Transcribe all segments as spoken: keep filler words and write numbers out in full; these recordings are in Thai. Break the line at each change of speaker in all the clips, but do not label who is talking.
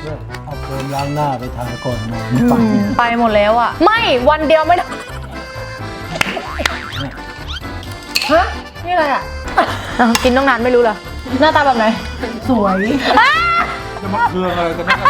เอาโฟมล้างหน้าไปทาก่อนนอนไป
ไปหมดแล้วอ่ะไม่วันเดียวไม่ได้ฮะนี่อะไรอ่ะกินต้องนานไม่รู้เหรอหน้าตาแบบไหนสวย
จะมาเครื่องอะไรกันนะ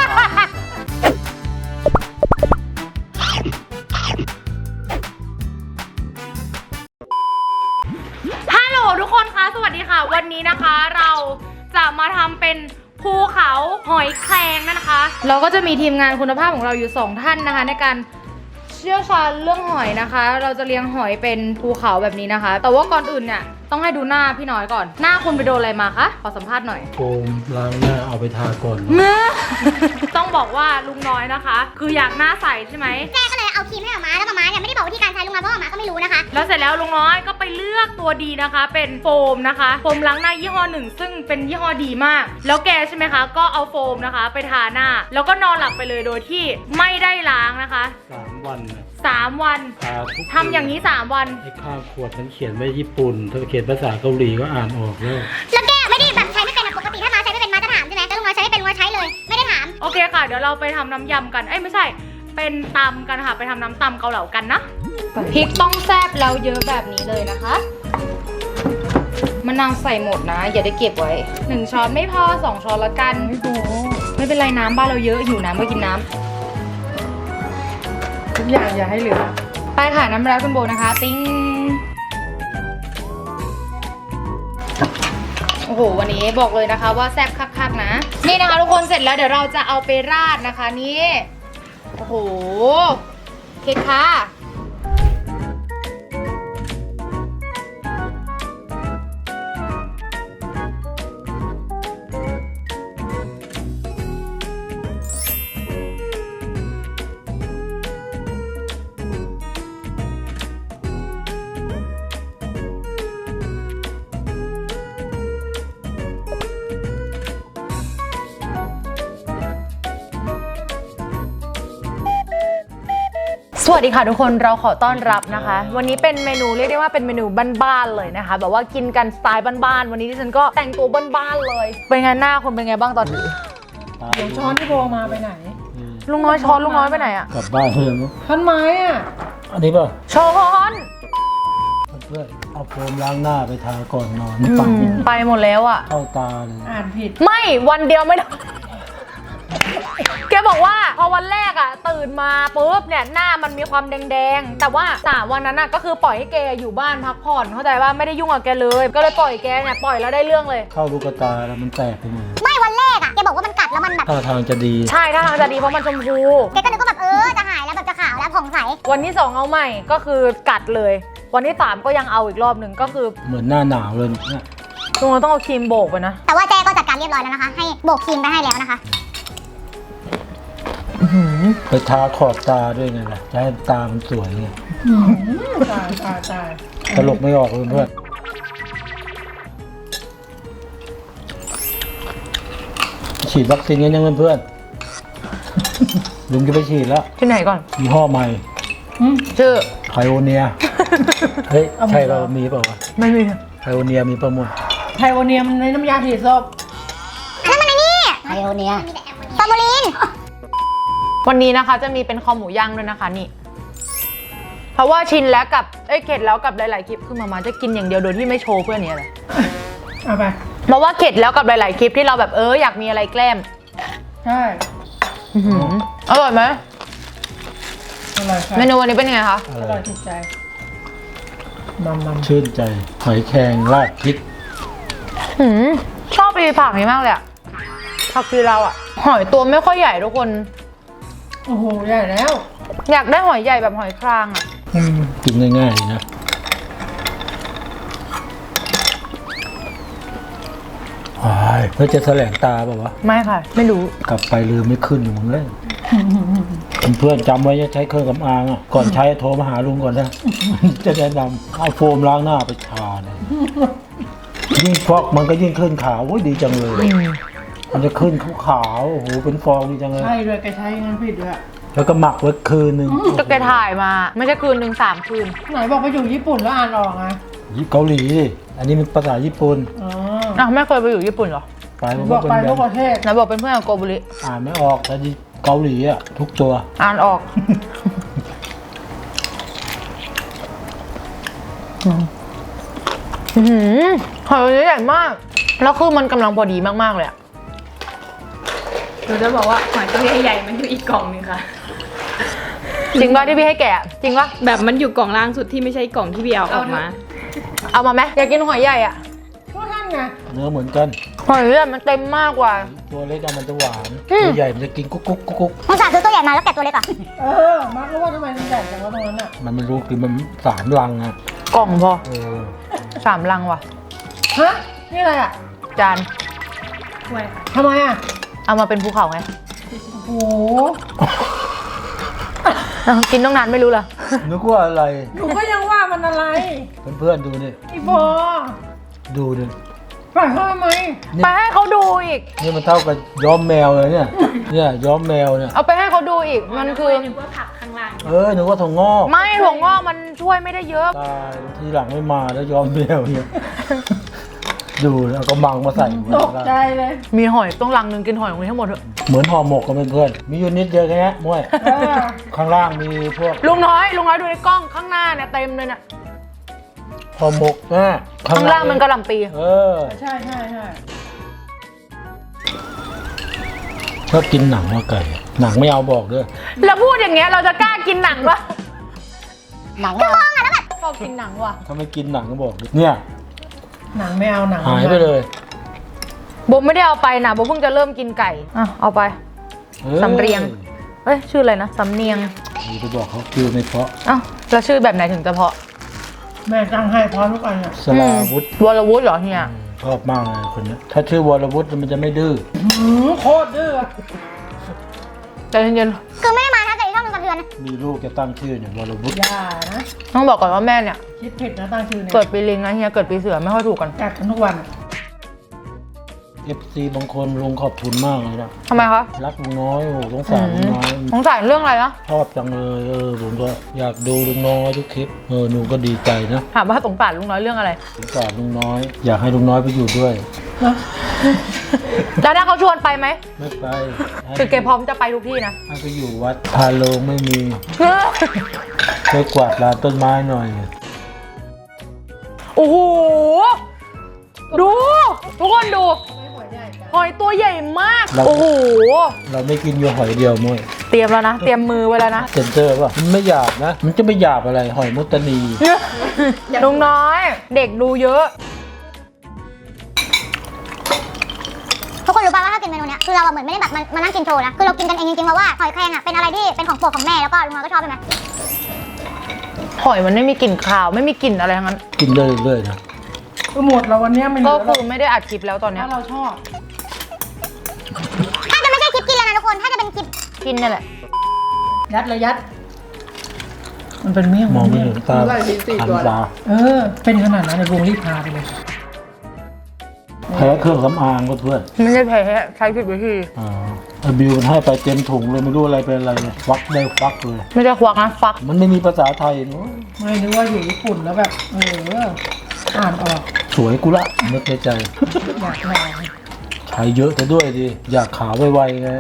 ฮัลโหลทุกคนคะสวัสดีค่ะวันนี้นะคะเราจะมาทำเป็นภูเขาหอยแครงนะคะ เราก็จะมีทีมงานคุณภาพของเราอยู่สองท่านนะคะในการเชี่ยวชาญเรื่องหอยนะคะ เราจะเลี้ยงหอยเป็นภูเขาแบบนี้นะคะ แต่ว่าก่อนอื่นเนี่ยต้องให้ดูหน้าพี่น้อยก่อนหน้าคุณไปโดนอะไรมาคะขอสัมภาษณ์หน่อย
โฟมล้างหน้าเอาไปทาก่อน
เมื่อ ต้องบอกว่าลุงน้อยนะคะ คืออยากหน้าใสใช่ไหม
แม่ก็เลยเอาครีมให้หมาแล้วหมาเนี่ยไม่ได้บอกวิธีการใช้ลุงน้อยเพราะหมาก็ไม่รู้นะคะ
แล้วเสร็จแล้วลุงน้อยก็ไปเลือกตัวดีนะคะ เป็นโฟมนะคะโฟมล้างหน้ายี่ห้อหนึ่งซึ่งเป็นยี่ห้อดีมากแล้วแกใช่ไหมคะก็เอาโฟมนะคะ ไปทาหน้าแล้วก็นอนหลับไปเลยโดยที่ไม่ได้ล้างนะคะ
สามวันนะ
สามวัน
ทาทุก
ทำอย่างนี้สามวัน
ไอ้ข้างขวดมันเขียนไว้ญี่ปุ่นถ้าเขียนภาษาเกาหลีก็อ่านออกแล้ว
แล้วแกไม่ได้แบบใช้ไม่เป็นปกติถ้ามาใช้ไม่เป็นมาจะถามใช่ไหมแต่ลุงน้อยใช้ไม่เป็นลุงน้อยใช้เลยไม่ได้ถาม
โอเคค่ะเดี๋ยวเราไปทำน้ำยำกันเอ้ยไม่ใช่เป็นตำกันค่ะไปทำน้ำตำเกาเหลากันนะพริกต้องแซ่บแล้วเยอะแบบนี้เลยนะคะมะนาวใส่หมดนะอย่าได้เก็บไว้หนึ่งช้อนไม่พอสองช้อนละกันไม่เป็นไรน้ำบ้านเราเยอะหิวน้ำก็กินน้ำทุกอย่างอย่าให้เหลือไปค่ะน้ำร้อนคุณโบนะคะติ้งโอ้โหวันนี้บอกเลยนะคะว่าแซ่บคักๆนะนี่นะคะทุกคนเสร็จแล้วเดี๋ยวเราจะเอาไปราดนะคะนี่โอ้โหเค้กค่ะสวัสดีค่ะทุกคนเราขอต้อนรับนะคะวันนี้เป็นเมนูเรียกได้ว่าเป็นเมนูบ้านๆเลยนะคะแบบว่ากินกันสไตล์บ้านๆวันนี้ที่ฉันก็แต่งตัวบ้านๆเลยเป็นไงหน้าคุณเป็นไงบ้างตอนนี้
เดี๋ยวช้อนที่โบมาไปไหน
ลุงน้อยช้อนลุงน้อยไปไหนอะ
กลับบ้านเพื่อนมั้ง
ท่อนไม้อ่ะ
อันนี้ป่ะ
ช้อน
เพื่อนเอาโฟมล้างหน้าไปทาก่อนนอนไป
ไปหมดแล้วอะ
เข้าตาเลย
อ่านผิด
ไม่วันเดียวไม่ได้แกบอกว่าพอวันแรกอะตื่นมาปุ๊บเนี่ยหน้ามันมีความแดงๆแต่ว่าสามวันนั้นอะก็คือปล่อยให้แกอยู่บ้านพักผ่อนเข้าใจว่าไม่ได้ยุ่งกับแกเลยก็เลยปล่อยแกเนี่ยปล่อยแล้วได้เรื่องเลย
เข้าลูกตาแล้วมันแตกไปหมด
ไม่วันแรกอะแกบอกว่ามันกัดแล้วมันแบบ
ท่าทางจะดี
ใช่ท่าทางจะดีเพราะมันชมพู
แกก็นึกว่าแบบเออจะหายแล้วแบบจะขาวแล้วผ่องใส
วันที่สองเอาใหม่ก็คือกัดเลยวันที่สามก็ยังเอาอีกรอบหนึ่งก็คือ
เหมือนหน้าหนาวเลยเนี่ย
ตรงนั้นต้องเอาครีมโบกไปนะ
แต่ว่าแจ้ก็จัดการเรียบร้อยแล้วนะคะให้โบกครีมไปให้แล้วนะคะ
ไปทาขอบตาด้วยไงล่ะจะให้ตามันสวยไง
ตายตายตาย
ตลกไม่ออกเลยเพื่อนฉีดวัคซีนกันยังเพื่อนลุงจะไปฉีดแล้ว
ที่ไหนก่อน
ยี่ห้อใหม่
ชื่อ
ไพโอเนียเฮ้ยใช่เรามีเปล่าวะ
ไม่มี
ไพโอเนียมีประมวล
ไพโอเนียมันในน้ำยาถีบศพ
นั่นมันไอ้นี่ไพโอเนียฟอร์มูลิน
วันนี้นะคะจะมีเป็นคอหมูย่างด้วยนะคะนี่เพราะว่าชินแล้วกับเอ้ยเข็ดแล้วกับหลายๆคลิปคือมาม่าจะกินอย่างเดียวโดยที่ไม่โชว์เพื่อนนี้เลย
เอาไป
เพราะว่าเข็ดแล้วกับหลายๆคลิปที่เราแบบเอออยากมีอะไรแกล้ม
ใช่
อร่อยไหม
อร่อยค่ะ
เมนูวันนี้เป็นไงคะ
อร่อยถูกใจมัมมัม
ชื่นใจหอยแครงราดพริก
ชอบอีผักนี้มากเลยอะผักคือเราอะหอยตัวไม่ค่อยใหญ่ทุกคน
โอ้โหใหญ่แล้ว
อยากได้หอยใหญ่แบบหอยครางอะ
กินง่ายๆนะเพื่อจะแสลงตาแบบว่า
ไม่ค่ะไม่รู้
กลับไปลืมไม่ขึ้นอยู่มึงเลยเพื่อนจำไว้จะใช้เครื่องสำอางอ่ะก่อนใช้โทรมาหาลุงก่อนนะจะแนะนำเอาโฟมล้างหน้าไปทาเลยยิ่งฟอกมันก็ยิ่งขึ้นขาวดีจังเลยมันจะขึ้นขาวๆโอ้โหเป็นฟองดีจังเลย
ใช่เลยแกใช้งั้นผิดด้วย
แล้วก็หมักไว้คืนนึง
ก็แกถ่ายมาไม่ใช่คืนหนึ่งสามคืน
ไหนบอกไปอยู่ญี่ปุ่นแล้วอ่านออกไง
เกาหลีอันนี้มันภาษาญี่ปุ่น
อ๋ออ้าวไม่เคยไปอยู่ญี่ปุ่นเหรอ
ไปมัน
บ
ก็
อก
เป็น
ไป
แบ
ทุ
บ
กประเทศ
ไหนบอกเป็นเพื่อนกับโกบุริ
อ่านไม่ออกแต่ที่เกาหลีอ่ะทุกตัว
อ่านออก อือหือหอยตัวนี้ใหญ่มาก แล้วคือมันกำลังพอดีมากๆเลยอะ
หนูจะบอกว่าหอยตัวใหญ่ๆมันอยู่อีกกล่องหนึงค่ะ
จริงป่ะที่พี่ให้แกะจริงป่ะ
แบบมันอยู่กล่องล่างสุดที่ไม่ใช่กล่องที่พี่เอาออกมา
เอามาไหมอยากกินหอยใหญ่อะ
ก็ท่านไง
เนื้อเหมือนกัน
หอยใหญ่มันเต็มมากกว่า
ตัวเล็กอะมันจะหวาน
อืม
ตัวใหญ่มันจะกินกุ๊กกุ๊กกุ๊กกุ๊ก
มึงสั่งซื้อตัวใหญ่มาแล้วแกะตัวเล็กอ่ะ
เออ มาร์ครู้ว่าทำไมมันใหญ่จังวะตรงนั้นอ่ะ
มันไม่รู้คือมันสามรังอะ
กล่องพอ
เออ
สามลังว่ะ
ฮะ นี่อะไรอ่ะ
จาน
ถ้วยค่ะ
ทำไมอ่ะ
เอามาเป็นภูเขาไง
โอ้โห
เอากินต้องนานไม่รู้เหรอ
นึกว่าอะไร
หนูก็ยังว่ามันอะไร
เพื่อนๆดูนี่
ไอ้โบ
ดูนี่
ปล่อยเขาทำไม
ไปให้เขาดูอีก
นี่มันเท่ากับย้อมแมวเลยเนี่ยเนี่ยย้อมแมวเนี่ย
เอาไปให้เขาดูอีก มันคือ
นึกว่าผักข้างล่าง
เออนึกว่าถั่วงอก
ไม่ถั่วงอกมันช่วยไม่ได้เยอะ
ตายทีหลังไม่มาแล้วย้อมแมวเนี่ย ดูแล้วก็มังมาใส่หัว
ตกใจเลย
มีหอยต้องลังหนึ่งกินหอยตรงนี้ทั้งหมดเถอะ
เหมือนห่อหมกกันเพื่อนๆมีอยู่นิดเดียวแค่นี้ม้วย
เออ
ข้างล่างมีพวก
ลุงน้อยลุงน้อยดูในกล้องข้างหน้าเนี่ยเต็มเลยเนี่ย
ห่อหมกนะ
ข้างล่างมันกระหล่ำปี
เออ
ใช่ใช่ใช่
ชอบกินหนังว่าไก่อะหนังไม่เอาบอกด้วย
แล้วพูดอย่างเงี้ยเราจะกล้ากินหนังปะหนังว่ะชอบกินหนังว่ะ
ถ้าไม่กินหนังก็บอกด้วยเนี่ย
หนังไม่เอาหนัง
หายไปเลย
โบไม่ได้เอาไปนะโบเพิ่งจะเริ่มกินไก่อ่ะเอาไป
ออ
สำเรียง เอ้ยชื่ออะไรนะสำเนียง
นี่ไปบอกเขาคือไม่เพราะ
เอ้าแล้วชื่อแบบไหนถึงจะเพาะ
แม่ตั้งให้พร้อมทุกอันอ่ะ
สลาวุธ
วรวุฒิเหรอเฮีย
ชอบมากเลยคนเนี้ยถ้าชื่อวรวุฒิมันจะไม่ดื้อ
หืมโคตรดื้ออะ
ใจเย็น
คือไม่ได้มาถ้าเกิดช่องนึงสะเทือนนะ
มีลูกจะตั้งชื่อเนี่ยวรวุฒิ
อย่านะ
ๆต้องบอกก่อนว่าแม่เนี่ย
คิดผิดนะตั้งชื่อเนี่ย
เกิดปีลิงนะเฮียเกิดปีเสือไม่ค่อยถูกกัน
กัดกันทุกวันอะ
เอฟซีบางคนลุงขอบคุณมากเลยนะ
ทำไมคะ
รักลุงน้อยโอ้โหสงสารลุงน้อย
สงสัยเรื่องอะไรนะ
ชอบจังเลยเออผมก็อยากดูลุงน้อยทุกคลิปเออหนูก็ดีใจนะ
ถามว่าสงสารลุงน้อยเรื่องอะไร
สงสารลุงน้อย อยากให้ลุงน้อยไปอยู่ด้วย
นะ
แล้วถ้าเขาชวนไปไหม
ไม่ไปให้
คือแกพร้อมจะไปทุกที่นะ
ให้ไปอยู่วัดพาโลงไม่มีช่วยกวาดลานต้นไม้หน่อย
โอ้โหดูทุกคนดู
ไม่หัวใหญ่กัน
หอยตัวใหญ่มาก
เรา
โอ้โห
เราไม่กินอยู่หอยเดียวมั้ย
เตรียมแล้วนะ เตรียมมือไว้แล้วนะ
เซนเตอร์ป่ะมันไม่หยาบนะ มันจะไม่หยาบอะไรหอยมุตตานี
ลุงน้อย เด็กดูเยอะ
ทุกคนรู้ป่ะว่าถ้ากินเมนูเนี้ยคือเราอะเหมือนไม่ได้แบบมามานั่งกินโชว์นะ คือเรากินกันเองจริงๆเพราะว่าหอยแครงอะเป็นอะไรที่เป็นของโปรดของแม่แล้วก็ลุงน้อยก็ชอบใช่ไหม
หอยมันไม่มีกลิ่นคาวไม่มีกลิ่นอะไรทั้งนั้น
กินได้เรื่อยๆนะ
ก็หมดแล้ววันเนี้ยไม่เหลื
ก็
อแล้
คื
ว
อไม่ได้อัดคลิปแล้วตอนเนี้ย
ถ้าเราชอบ
ถ้าจะไม่ใช่คลิปกินแล้วนะทุกคน ถ้าจะเป็นคลิป
กินเนี่ยแหละ
ยัดเลยยัด มันเป็นเมี่ยง
มองไม่เห็นตา
ไล่ลิ้นสี่
หัน
ตัวแล้ว
ตา
เออ เป็นขนาดนั้นในวงรีบพาไปเลย
แพ้เครื่องสำอางก็เพื่อน
ไม่ใช่แพ้ใช้ผิดวิธี
อ่าไอ้บิวมันให้ไปเต็มถุงเลยไม่รู้อะไรเป็นอะไรเลยฟักได้ฟักเลย
ไม่ใช่ควักนะฟัก
มันไม่มีภาษาไทยเนอะ
ไม่นึกว่าอยู่ญี่ปุ่นแล้วแบบ เออ อ่านออก
สวยกูละนึกในใจ
อยากลอง
ใช้เยอะแต่ด้วยดิอยากขาวไวๆไง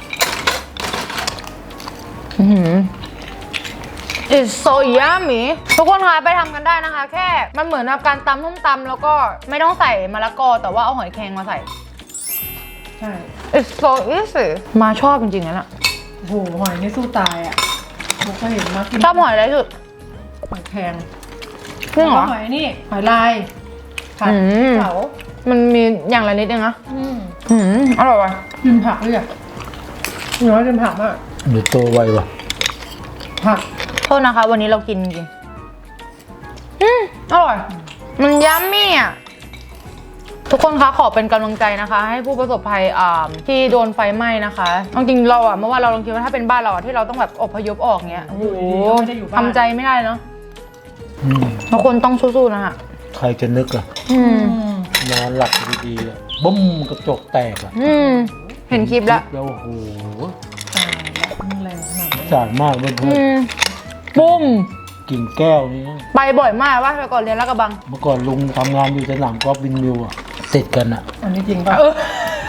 อื้อหือ It's so yummy ทุกคนคะไปทำกันได้นะคะ แค่มันเหมือนกับการตำส้มตำแล้วก็ไม่ต้องใส่มะละกอแต่ว่าเอาหอยแครงมาใส่
ใช่
It's so easy มาชอบจริงๆนะน่ะ
โอ้โหหอยนี่สู้ตายอ่ะผมก็เห็นมากิน
ชอบหอยอะไรที่สุด
หอยแครง
จริงเหรอ
แล้วก็หอยนี่ หอยลายผัด
อืม
เผา
มันมีอย่างละนิดเองนะ
อืม
อืมอร่อยว่ะ
กินผักด้วยอ่ะน้อยกินผักมาก
เดี๋ยวโตไวว่ะ
ผัก
โทษนะคะ วันนี้เรากินจริงอืมอร่อย มันยัมมี่อ่ะ ทุกคนคะขอเป็นกำลังใจนะคะ ให้ผู้ประสบภัยอ่าที่โดนไฟไหม้นะคะเอาจริงเราอ่ะเมื่อวานเราลองคิดว่าถ้าเป็นบ้านเราอ่ะที่เราต้องแบบอพยพออกเงี้ยโอ้โห
ไม่ได้อยู่บ้าน
ทำใจไม่ได้เนาะ
อืม
ทุกคนต้องสู้ๆนะคะ
ใครจะนึกอะ
อืม
อืม
นอนหลับดีๆอะบุ้มกระจกแตกอะ
อืมเห็นคลิปแล้ว
แล้วโอ้โห
ตายแล้วมันแรงขนาดนั้น
สารมากเพื่อน
อืมปุ้ม
ๆกิ่งแก้วนี่นะ
ไปบ่อยมากว่าแต่ก่อนเรียนลาดกระบัง
เมื่อก่อนลุงทำงานอยู่สนามกอล์ฟวินมิวอะติดกันอะ
อันนี้จริงป่ะ
เออ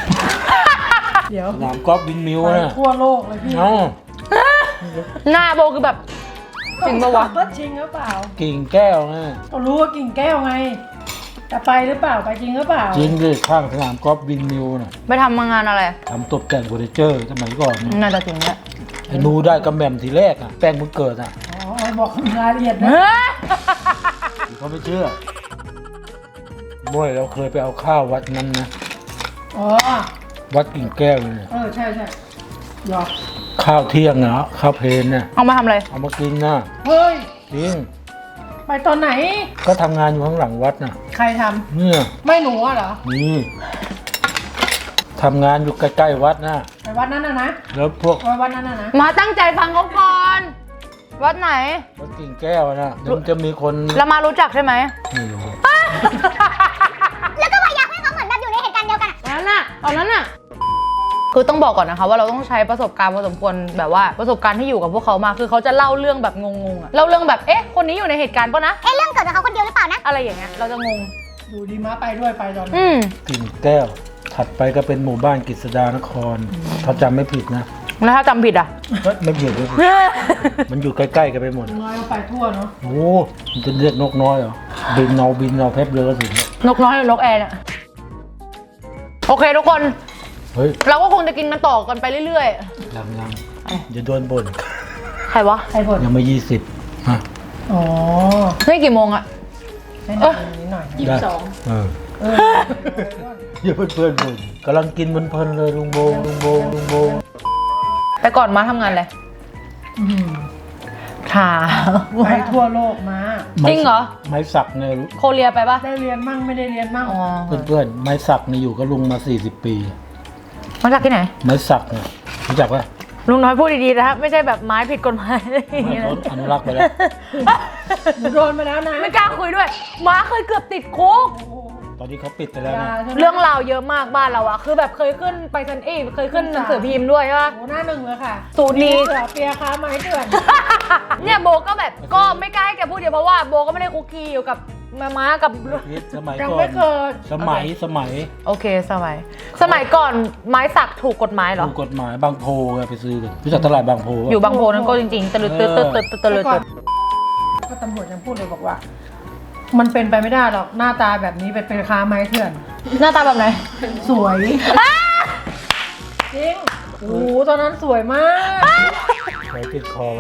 เดี๋ยว
สนามกอล์ฟวินมิว
ไป
นะ
ทั่วโลกเลยพี่
เอ้า
หน้าโบคือแบบจริงปะวะ
ว่าจริงหรือเปล่า
กิ่งแก้วนะ
ก็รู้ว่ากิ่งแก้วไงจะไปหรือเปล่าไปจริงหรือเปล่า
จริงดิข้างสนามกอล์ฟวินมิวนะ
ไปทำมางานอะไร
ทำตกแต่งเฟอร์นิเจอร์สมัยก่อนนะ
น่าจะจริงแหละ
ไอ้หนูได้กำแหม่มทีแรกอ่ะแป้งมึงเกิดอ่ะ
อ๋อบอกรายละเอียดนะ
เฮ้ย
เขาไม่เชื่อม่วยเราเคยไปเอาข้าววัดนั้นนะ
อ๋อ
วัดกิ่งแก้วเนี่ย
เออใช่ใช่หยอก
ข้าวเที่ยงนะข้าวเพลนน่ะ
เอามาทำอะไร
เอามากินนะ
เฮ้ย
จริง
ไปตอนไหน
ก็ทำงานอยู่ข้างหลังวัดน่ะ
ใครทำ
เนี่ย
ไม่หนูอะเหรอ
นี่ทำงานอยู่ใกล้ๆวัดนะ
ไปวัดนั้นนะนะ
แล้วพวก
ไปวัดนั้นนะนะ
มาตั้งใจฟังเขาก่อน วัดไหน
วัดกิ่งแก้วนะเดี๋ยวมันจะมีคน
เรามารู้จักใช่ไหม
ไม่รู้
แล้วก็พยายามให้เขาเหมือนแบบอยู่ในเหตุการณ์เดียวกันอะ
ตอนนั้นน่ะตอนนั้นน่ะ คือต้องบอกก่อนนะคะว่าเราต้องใช้ประสบการณ์พอสมควรแบบว่าประสบการณ์ที่อยู่กับพวกเขามา คือเขาจะเล่าเรื่องแบบงงๆอะเล่าเรื่องแบบเอ๊ะคนนี้อยู่ในเหตุการณ์ปะนะ
เอ๊ะเรื่องเกิดกับเขาคนเดียวหรือเปล่านะ
อะไรอย่างเงี้ยเราจะงง
อยู่ดีม้าไปด้วยไปตอนนั้น
อืม
กิ่งแก้ว ถัดไปก็เป็นหมู่บ้านกฤษดานครถ้าจำไม่ผิดนะ
แล้วถ้าจำผิดอ่ะ
เฮ้ยไม่ผิดไม่ผิดมันอยู่ใกล้ๆกันไปหมด
น้อยก็ไปทั่วเนาะ
โอ้มันจะเรียกนกน้อยเหรอบินเอาบินเอาเพชรเรือก็สิ
นกน้อยหรือนกแอร์เนี่ยโอเคทุกคน
เฮ้ย
เราก็คงจะกินมันต่อกันไปเรื่อย
ยังยังอย่าโดนบ่น
ๆ ใครวะ
ใครบ่น
ยังไม่ยี่สิบฮะ
อ๋อ
นี่กี่โมงอะ
ให้หน่อยนิดหน่อย
ยี่สิบสอง
เออ
เออ
อย่าเพื่อนเพื่อนๆบ่นกำลังกินเพลินๆเลยลุงโบลุงโบลุงโบ
แต่ก่อนมาทำงานอะไร
อืม
ค่ะ
ไปทั่วโลกมา
จริงเหรอ
ไม้สักเนี่ย
โคเรียไปปะ
ได้เรียนมั่งไม่ได้เรียนมั่ง
อ๋อ
เพื่อนๆไม้สักเนี่ยอยู่กับลุงมาสี่สิบปี
มาจากที่ไหน
ไม้สักเนี่ยรู้จักปะ
ลุงน้อยพูดดีๆนะครับไม่ใช่แบบไม้ผิดกฎหมายอะไรอย่าง
ไม่
เงี้ย
เขาอนุรักษ์ไปแล้ว
หนูโดนไปแล้วนะ
ไม่กล้าคุยด้วยม้าเคยเกือบติดคุก
ตอนนี้เขาปิดไปแล้ว
ยา
นะ
ใช่ไหม
เรื่องราวเยอะมากบ้านเราอะคือแบบเคยขึ้นไปซันเอ้ยเคยขึ้นหนังสือพิมพ์ด้วยใช่ปะ
โอ้หน้าหนึ่งเลยค่ะ
สูตรนี้
เสือเปียค้าไม้เถื่อน
เนี่ยโบก็แบบก็ไม่กล้าให้แกพูดเยอะเพราะว่าโบก็ไม่ได้คุกคีอยู่กับมาม้ากับ
พิษสมัย
ยัง
ก่อ
ไม่
น
เคย
สมัยสมัย
โอเคสมัย สมัยก่อนไม้สักถูกกฎหมายเหรอ
ถูกกฎหมายบางโพไงไปซื้อกันรู้จักตลาดบางโพปะ
อยู่บางโพนั้นก็จริงๆตะลึดตะลึดตะลึดตะลึด
แต่ก่อนก็ตำรวจยังพูดเลยบอกว่า มันเป็นไปไม่ได้หรอกหน้าตาแบบนี้เป็นเป็นค้าไม้เถื่อน
หน้าตาแบบไหน
สวยจริงโอ้โหตอนนั้นสวยมาก
ใช้ติดคอไว้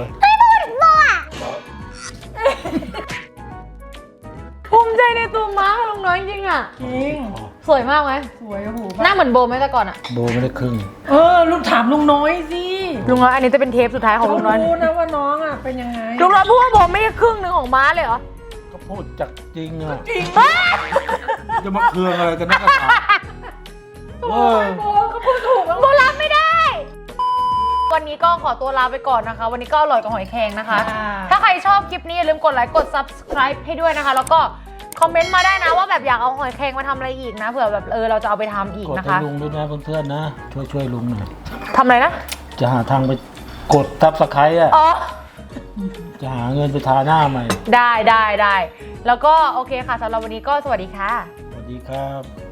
ภูมิใจในตัวม้ากับลุงน้อยจริงๆอะ
จริง
สวยมากไหม
สวยโอ้โห
หน้าเหมือนโบไหมแต่ก่อนอะ
โบไม่ได้ครึ่ง
เออลุงถามลุงน้อยสิ
ลุงน้อยอันนี้จะเป็นเทปสุดท้ายของลุงน้อย
เขารู้นะว่าน้องอ่ะเป็นยังไง
ลุงน้อยพูดว่าโบไม่ใช่ครึ่งหนึ่งของม้าเลยเหรอ
ก็พูดจากจริงอ่ะ
จริง
จะมาเคืองอะไรกันนักกันหนาเออ
โอ้เขาพูดถูกแล้ว
โบรับไม่ได้ วันนี้ก็ขอตัวลาไปก่อนนะคะ วันนี้ก็อร่อยกับหอยแครงนะคะ ถ้าใครชอบคลิปนี้อย่าลืมกดไลค์กด subscribe ให้ด้วยนะคะ แล้วก็คอมเมนต์มาได้นะว่าแบบอยากเอาหอยแครงมาทำอะไรอีกนะเผื่อแบบเออเราจะเอาไปทำอีก
กด
นะ
ให้
คะ
ลุงด้วยนะเพื่อนๆนะ ช่วยช่วยลุงหน่อย
ทำอะไรนะ
จะหาทางไปกดทับสไครต์อ่ะ
อ๋อ
จะหาเงินไปทาหน้าใหม่
ได้ได้ได้แล้วก็โอเคค่ะสำหรับวันนี้ก็สวัสดีค่ะ
สวัสดีครับ